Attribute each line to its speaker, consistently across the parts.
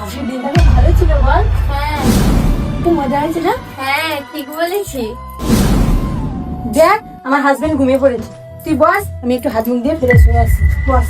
Speaker 1: আজকের দিনটা ভালো ছিল বল।
Speaker 2: হ্যাঁ
Speaker 1: খুব মজা হয়েছে না?
Speaker 2: হ্যাঁ ঠিক বলেছি।
Speaker 1: দেখ আমার হাজবেন্ড ঘুমিয়ে পড়েছে, তুই বস, আমি একটু হাত মুখ দিয়ে ফ্রেশ হয়ে আসি। বস।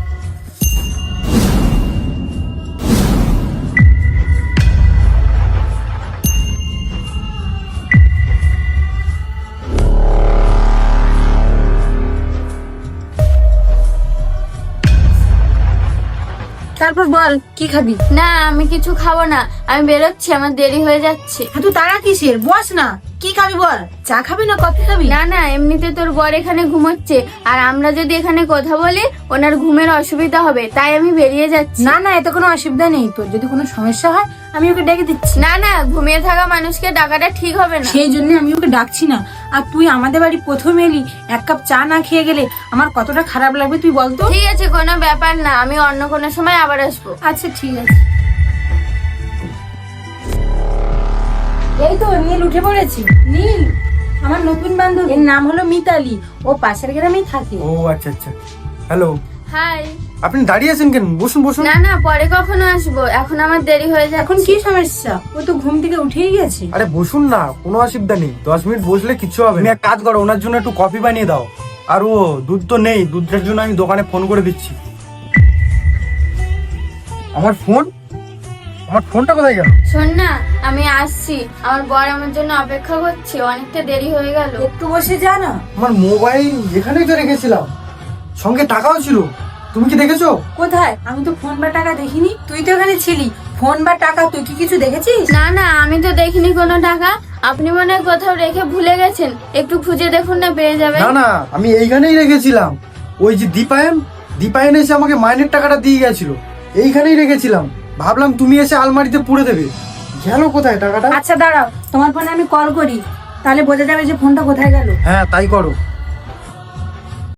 Speaker 1: তারপর বল কি খাবি?
Speaker 2: না আমি কিছু খাবো না, আমি বেরোচ্ছি, আমার দেরি হয়ে যাচ্ছে।
Speaker 1: তুই তারা কিসের? বস না, কি খাবি বল? চা খাবি না কফি খাবি?
Speaker 2: না না, এমনিতে তোর বর এখানে ঘুমোচ্ছে, আর আমরা যদি এখানে কথা বলি ওনার ঘুমের অসুবিধা হবে, তাই আমি বেরিয়ে যাচ্ছি।
Speaker 1: না না, এতে কোনো অসুবিধা নেই, তোর যদি কোনো সমস্যা হয় আমি ওকে ডেকে দিচ্ছি।
Speaker 2: না না, ঘুমিয়ে থাকা মানুষকে ডাকাটা ঠিক হবে না।
Speaker 1: সেই জন্য আমি ওকে ডাকছি না। আর তুই আমাদের বাড়ি প্রথম এলি, এক কাপ চা না খেয়ে গেলে আমার কতটা খারাপ লাগবে তুই বলতো।
Speaker 2: ঠিক আছে, কোনো ব্যাপার না, আমি অন্য কোনো সময় আবার আসবো।
Speaker 1: আচ্ছা ঠিক আছে। এই তো নীল উঠে পড়েছি। নীল আমার নতুন বান্ধবী, এর নাম হলো মিতালি, ও পাশের গ্রামেই থাকে।
Speaker 3: ও আচ্ছা আচ্ছা। Hello,
Speaker 2: hi.
Speaker 3: আপনি দাঁড়িয়ে আছেন কেন? বসুন বসুন।
Speaker 2: না না, পরে কখনো আসবো, এখন আমার দেরি হয়ে যাচ্ছে।
Speaker 1: এখন কি সমস্যা? ও তো ঘুম থেকে উঠেই গেছে।
Speaker 3: আরে বসুন না, কোনো অসুবিধা নেই, 10 মিনিট বসলে কিছু হবে না। তুমি এক কাজ করো, ওনার জন্য একটু কফি বানিয়ে দাও। আর ও দুধ তো নেই, দুধের জন্য আমি দোকানে ফোন করে দিচ্ছি। আমার ফোনটা কোথায় গেল?
Speaker 2: শোন না, আমি আসছি, আমার বর আমার জন্য অপেক্ষা করছে, অনেকটা দেরি হয়ে গেল।
Speaker 1: একটু বসে যা না।
Speaker 3: আমার মোবাইল এখানেই তো রেখেছিলাম, সঙ্গে টাকাও ছিল, তুমি কি দেখেছো?
Speaker 1: কোথায়? আমি তো ফোন বা টাকা দেখিনি। তুই তো এখানে ছিলি, ফোন বা টাকা তুই কি কিছু দেখেছিস?
Speaker 2: না না, আমি তো দেখিনি কোনো টাকা, আপনি মনে হয় কোথাও রেখে ভুলে গেছেন, একটু খুঁজে দেখুন না, পেয়ে যাবেন।
Speaker 3: না না, আমি এইখানেই রেখেছিলাম। ওই যে দীপায়ন এসে আমাকে মাইনের টাকাটা দিয়ে গেছিল, এইখানেই রেখেছিলাম। ভাবলাম তুমি এসে আলমারিতে পুড়ে দেবে। গেল কোথায় টাকাটা?
Speaker 1: আচ্ছা দাঁড়াও, তোমার ফোনে আমি কল করি, তাহলে বোঝা যাবে যে ফোনটা কোথায় গেল।
Speaker 3: হ্যাঁ তাই করো।